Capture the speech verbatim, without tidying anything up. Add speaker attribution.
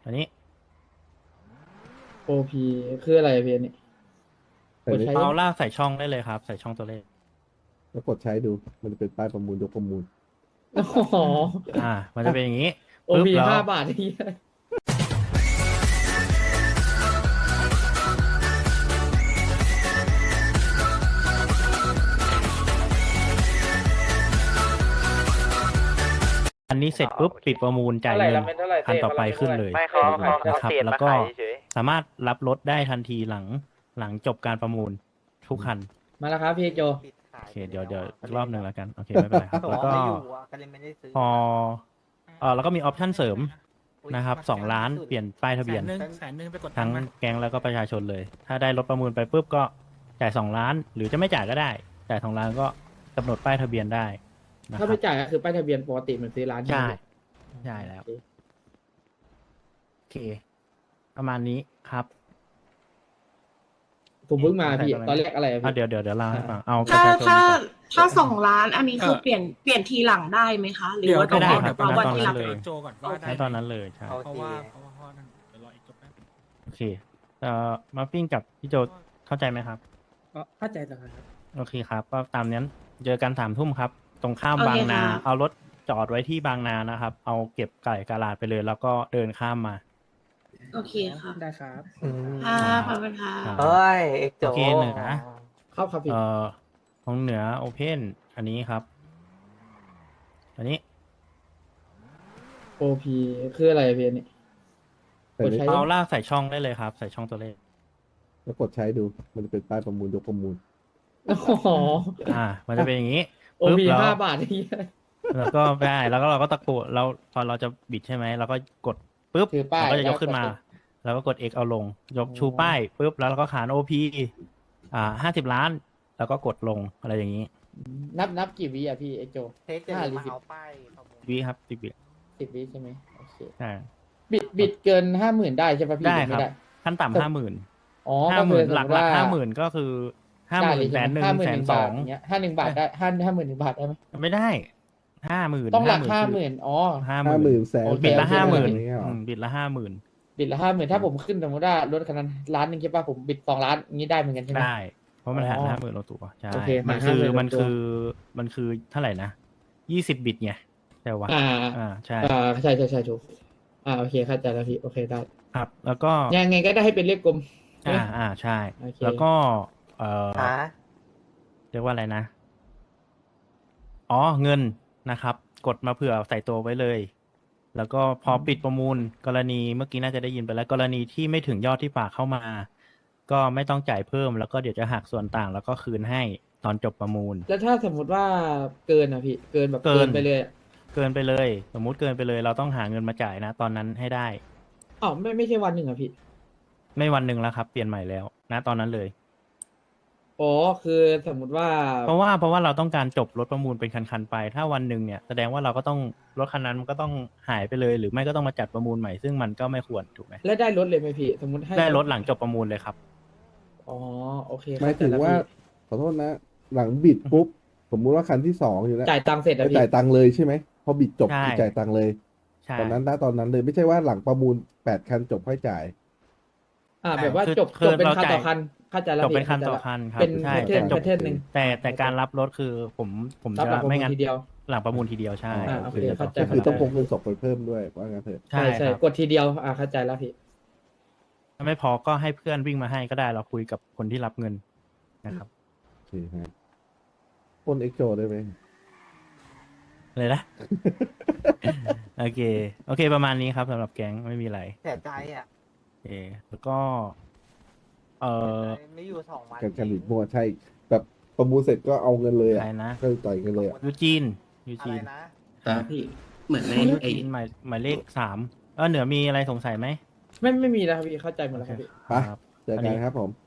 Speaker 1: อันนี้
Speaker 2: โอพีคืออะไรอะพี่อันนี้
Speaker 3: แต่
Speaker 2: กด
Speaker 3: ไม่
Speaker 2: ใช้
Speaker 1: เอาลากใส่ช่องได้เลยครับ ใส่ช่องตัวเลข
Speaker 3: แล้วกดใช้ดู มันจะเป็นป้ายประมูลยกประมูล
Speaker 2: อ๋อ
Speaker 1: อ่า มันจะเป็นอย่างนี้
Speaker 2: โอ
Speaker 1: ปึ๊บ
Speaker 2: พี
Speaker 1: แล้ว
Speaker 2: ห้าบาทนี่
Speaker 1: อันนี้เสร็จปุ๊บปิดประมูลจ่ายเงินคันต่อไปขึ้นเลย
Speaker 4: ไม่เขาเขา
Speaker 1: นะ
Speaker 4: เขา
Speaker 1: ครับ
Speaker 4: เสียด
Speaker 1: แล้ว
Speaker 4: มา
Speaker 1: ก็
Speaker 4: ขายเฉย
Speaker 1: สามารถรับรถได้ทันทีหลังหลังจบการประมูลทุกคัน
Speaker 2: มาแล้วครับพี่โจ
Speaker 1: โอเคเดี๋ยวเดี๋ยวอีกรอบหนึ่งแล้วกัน โอเค ไม่เป็นไรครับ แล้วก็
Speaker 4: ก็เลยไม่ได้ซื้อ
Speaker 1: พอเออแล้วก็มีออปชั่นเสริมนะครับสองล้านเปลี่ยนป้ายทะเบียน
Speaker 5: แสนหนึ่งแสนหนึ่งไปกดตั
Speaker 1: ทั้
Speaker 5: ง
Speaker 1: ง
Speaker 5: ค์มา
Speaker 1: แก๊งแล้วก็ประชาชนเลย ถ้าได้รถประมูลไปปุ๊บก็จ่ายสองล้าน หรือจะไม่จ่ายก็ได้จ่ายสองล้านก็กำหนดป้ายทะเบียนได้นะค
Speaker 2: ถ้า
Speaker 1: รับ
Speaker 2: ไม่จ่ายก็คือป้ายทะเบียนปกติเหมือนซื้อร้าน
Speaker 1: ใช่
Speaker 2: ไหม
Speaker 1: ใช่แล้ว
Speaker 2: โอเค
Speaker 1: โอเค ประมาณนี้ครับ
Speaker 2: ผมเพิ่งมาพี่
Speaker 1: ใช่
Speaker 2: ตอนแรกอะไรอะ
Speaker 1: อ่ะ
Speaker 2: พี่
Speaker 1: เดี๋ยวเดี๋ยวเดี๋ยวเล่าให้ฟังเอาประ
Speaker 6: ถ้า
Speaker 1: ชาชน
Speaker 6: ถ้า
Speaker 1: ก่อน
Speaker 6: ถ้าสองล้านอันนี้คือเปลี่ยนเปลี่ยนทีหลังได้ไหมคะ หรือ
Speaker 5: เดี๋ยว
Speaker 6: ว่า
Speaker 5: เดี๋ยว
Speaker 6: ต้อง
Speaker 1: ได้
Speaker 6: รอ
Speaker 1: ครับ
Speaker 6: รอวันที่รับ
Speaker 1: เลย
Speaker 5: โจก่อนว่าได้
Speaker 1: ในตอนนั้นเลยใช่
Speaker 4: โอ
Speaker 5: เพราะ
Speaker 4: เค
Speaker 5: ว่าเพราะว่าเพราะว่านั่นเดี๋ยวรออีกจบแป๊บ
Speaker 1: โอเคเอ่อมาปิ้งกับพี่โจเข้าใจไหมครับ
Speaker 2: ก็เข้าใจแล้วครับ
Speaker 1: โอเคครับ ก็ตามนั้นเจอกันสามทุ่มครับ ตรงข้าม
Speaker 6: โอเค
Speaker 1: บางนา
Speaker 6: ค่ะ
Speaker 1: เอารถจอดไว้ที่บางนานะครับ เอาเก็บไก่กาลาดไปเลย แล้วก็เดินข้ามมา
Speaker 6: โอเคค่ะ
Speaker 2: ได้ครับ
Speaker 6: ค่ะขอบคุณค่ะ
Speaker 1: ครับ
Speaker 4: เฮ้ยเอกโจ
Speaker 1: โอเคเหนือ
Speaker 2: เข้าครับพี่
Speaker 1: เอ่อของเหนือโอเพนอันนี้ครับ อันนี้
Speaker 2: โอพีคืออะไรอะพี่อันนี้
Speaker 3: แต่
Speaker 2: กด
Speaker 3: ไม่
Speaker 2: ใช้
Speaker 1: เอาลากใส่ช่องได้เลยครับ ใส่ช่องตัวเลข
Speaker 3: แล้วกดใช้ดู มันจะเป็นป้ายประมูลยกประมูล
Speaker 2: อ๋อ
Speaker 1: อ่า มันจะเป็นอย่างนี้
Speaker 2: โอ
Speaker 1: ปึ๊บ
Speaker 2: พี
Speaker 1: แล้ว
Speaker 2: ห้าบาทนี่
Speaker 1: แล้วก็ไปแล้วก็เราก็ตะโกนเราพอเราจะบิดใช่ไหมเราก็กดปุ๊บ
Speaker 2: ถือป้าย
Speaker 1: เราก็จะยกขึ้นมา
Speaker 2: แล้วกด
Speaker 1: แล้วก็กด X เอาลง ยก
Speaker 2: อ๋อ
Speaker 1: ชูป้ายปุ๊บแล้วเราก็ขาน โอ พี อ่าห้าสิบล้าน แล้วก็กดลงอะไรอย่างนี้
Speaker 2: นับนับกี่วิอะพี่ไอโจ
Speaker 4: เทสจะ
Speaker 2: ห้าหรือ
Speaker 4: มา
Speaker 2: สิบ
Speaker 4: เอาป้ายประมูล
Speaker 1: วิครับสิบวิ
Speaker 2: สิบวิใช่ไหมโอเค
Speaker 1: ใช่
Speaker 2: บิดบิดเกินห้าหมื่นได้ใช่ปะพี่
Speaker 1: ได้
Speaker 2: หอ
Speaker 1: ครั
Speaker 2: ไม่
Speaker 1: บ
Speaker 2: ได้
Speaker 1: ขั้นต่ำห้าหมื่น
Speaker 2: อ๋อ
Speaker 1: ห้า
Speaker 2: ก็
Speaker 1: ห
Speaker 2: คื
Speaker 1: มื่
Speaker 2: อน ส
Speaker 1: ห
Speaker 2: ม
Speaker 1: ลัก
Speaker 2: มติ
Speaker 1: หลัก
Speaker 2: ว่า
Speaker 1: ห้าหมื่นก็คือห้าหมื่นแสนหนึ่ง
Speaker 2: ห้าหมื่
Speaker 1: แส
Speaker 2: น
Speaker 1: น
Speaker 2: ห
Speaker 1: ส
Speaker 2: บา
Speaker 1: อ
Speaker 2: ท
Speaker 1: ง
Speaker 2: อย่างเงี้ยห้าหนึ่งบาทได้ห้าห้าหมื่นหนึ่งบาทได้ไหม
Speaker 1: ไม่ได้ห้าหมื่น
Speaker 2: ต้องหลักห้าหมื่นอ๋อ
Speaker 1: ห้าห
Speaker 3: ห้าห
Speaker 1: มื่
Speaker 3: มื่
Speaker 1: น
Speaker 3: นแสน
Speaker 2: โอเค
Speaker 1: บิดละ
Speaker 2: โอเค
Speaker 1: ห้าหมื่น
Speaker 3: อย่างเงี้ยเหรอ
Speaker 1: บิดละห้าหมื่น
Speaker 2: บิดละห้าหมื่นถ้าผมขึ้นสมมติว่ารถคันนั้นล้านหนึ่งใช่ปะผมบิดสองล้านอย่างนี้ได้เหมือนกันใช่ไหม
Speaker 1: ได้ เพราะมันหาร
Speaker 2: อ๋อ
Speaker 1: ห้าหมื่นลงตัวใช่
Speaker 2: โอเค
Speaker 1: มัน
Speaker 2: หาร
Speaker 1: คือ
Speaker 2: 50,000
Speaker 1: มัน
Speaker 2: ลงตัว
Speaker 1: คือมันคือเท่าไหร่นะยี่สิบบิตไงใช่ปะ
Speaker 2: อ่า
Speaker 1: อ่าใช่
Speaker 2: อ่าใช่ใช่ใช่ถูกอ่าโอเคเข้าใจแล้วพี่โอเคได้
Speaker 1: ครับ แล้วก็
Speaker 2: ยังไงก็ได้ให้เป็นเลขกลมใช่ไหม
Speaker 1: อ่าอ่าใช่
Speaker 2: โอเค
Speaker 1: แล้วก็ เอ่อ
Speaker 4: ฮะ
Speaker 1: เรียกว่าอะไรนะ อ๋อเงินนะครับ กดมาเผื่อใส่ตัวไว้เลย แล้วก็พอปิดประมูล กรณีเมื่อกี้น่าจะได้ยินไปแล้ว กรณีที่ไม่ถึงยอดที่ฝากเข้ามา ก็ไม่ต้องจ่ายเพิ่ม แล้วก็เดี๋ยวจะหักส่วนต่างแล้วก็คืนให้ตอนจบประมูล
Speaker 2: แล้วถ้าสมมติว่าเกินอ่ะพี่เกินแบบ
Speaker 1: เกิ
Speaker 2: เกิ
Speaker 1: น
Speaker 2: นไปเลยอะ
Speaker 1: เกินไปเลย สมมุติเกินไปเลย เราต้องหาเงินมาจ่ายนะ ตอนนั้นให้ได้
Speaker 2: อ๋อไม่ไม่ใช่วันหนึ่งอ่ะพี่
Speaker 1: ไม่วันหนึ่งแล้วครับ เปลี่ยนใหม่แล้วนะตอนนั้นเลย
Speaker 2: อ๋อคือสมมติว่า
Speaker 1: เพราะว่าเพราะว่าเราต้องการจบรถประมูลเป็นคันๆไป ถ้าวันหนึ่งเนี่ยแสดงว่าเราก็ต้องรถคันนั้นมันก็ต้องหายไปเลย หรือไม่ก็ต้องมาจัดประมูลใหม่ซึ่งมันก็ไม่ควรถูกไหม
Speaker 2: แล้วได้รถเลยไหมพี่สมมติให้
Speaker 1: ได้รถหลังจบประมูลเลยครับ
Speaker 2: อ๋อโอเค
Speaker 3: หมายถึง
Speaker 2: เข้ใจแล้ว
Speaker 3: ว่า
Speaker 2: พี่
Speaker 3: ขอโทษนะ หลังบิดปุ๊บ สมมุติว่าคันที่สองอยู่แล้ว
Speaker 2: จ่ายตังค์เสร็จ
Speaker 3: ไป
Speaker 2: แล้วพี่
Speaker 3: จ่ายตังค์เลยใช่ไหม พอบิดจบ
Speaker 1: ใช่
Speaker 3: คือจ่ายตังค์เลย
Speaker 1: ใช่
Speaker 3: ตอนนั้นได้ตอนนั้นเลย ไม่ใช่ว่าหลังประมูลแปดคันจบค่อยจ่าย
Speaker 2: อ่าแบบว่า
Speaker 1: คือ
Speaker 2: จบ
Speaker 1: คือ
Speaker 2: จบเป็น
Speaker 1: เรา
Speaker 2: คัน
Speaker 1: จ่าย
Speaker 2: ต่อคันเข้าใจแล้ว
Speaker 1: จบเป็น
Speaker 2: พี่
Speaker 1: คันต่อ
Speaker 2: ข้าใจ
Speaker 1: คันครับ
Speaker 2: เป็น
Speaker 1: ใช่
Speaker 2: แพทเทิร์น
Speaker 1: จบ
Speaker 2: แพทเทิร์นหนึ่ง
Speaker 1: แต่แต่การรับรถคือผมผม
Speaker 2: รับ
Speaker 1: จะ
Speaker 2: หลังประมูล
Speaker 1: ไม่งั้น
Speaker 2: ทีเดียว
Speaker 1: หลังประมูลทีเดียวใช่
Speaker 2: อ่าโอเค
Speaker 1: คือจะ
Speaker 2: เข้าใจ
Speaker 3: ก็คือต้องพ
Speaker 1: จ
Speaker 3: กเงินสดไปเพิ่มด้วยว่างั้นเถอะ
Speaker 1: ใช่
Speaker 2: ใช่ใช่
Speaker 1: ครับ
Speaker 2: กดทีเดียวอ่าเข้าใจแล้วพี่
Speaker 1: ถ้าไม่พอก็ให้เพื่อนวิ่งมาให้ก็ได้เราคุยกับคนที่รับเงินนะครับ
Speaker 3: โอเคฮะปล้นเอ็กโจได้ไหม
Speaker 1: เลยนะ โอเค โอเค ประมาณนี้ครับสำหรับแก๊งไม่มีอะไร
Speaker 4: เสียใจอ่ะ
Speaker 1: โอเคแล้วก็ เออ
Speaker 4: ไม่อยู่สองวัน
Speaker 3: การการบิดมั่วใช่ แบบประมูลเสร็จก็เอาเงินเลย
Speaker 1: อะ
Speaker 3: อ่ะ
Speaker 1: ไรนะ
Speaker 3: ก็ต่อยกันเลยอ่ะ
Speaker 1: ยูจีนยู
Speaker 4: อะ
Speaker 1: จี
Speaker 4: ไร
Speaker 1: น
Speaker 4: นะ
Speaker 7: ครับพี่เหมือนใน
Speaker 1: ยู
Speaker 7: ไอ้
Speaker 1: จีนหมายหมายเลขสามเออเหนือมีอะไรสงสัยไหม
Speaker 2: ไม่ไม่มีแล้วครับพี่เข้าใจหมดแล้วครับพี่
Speaker 3: ไป
Speaker 1: ครับ
Speaker 3: เจอกันครับผม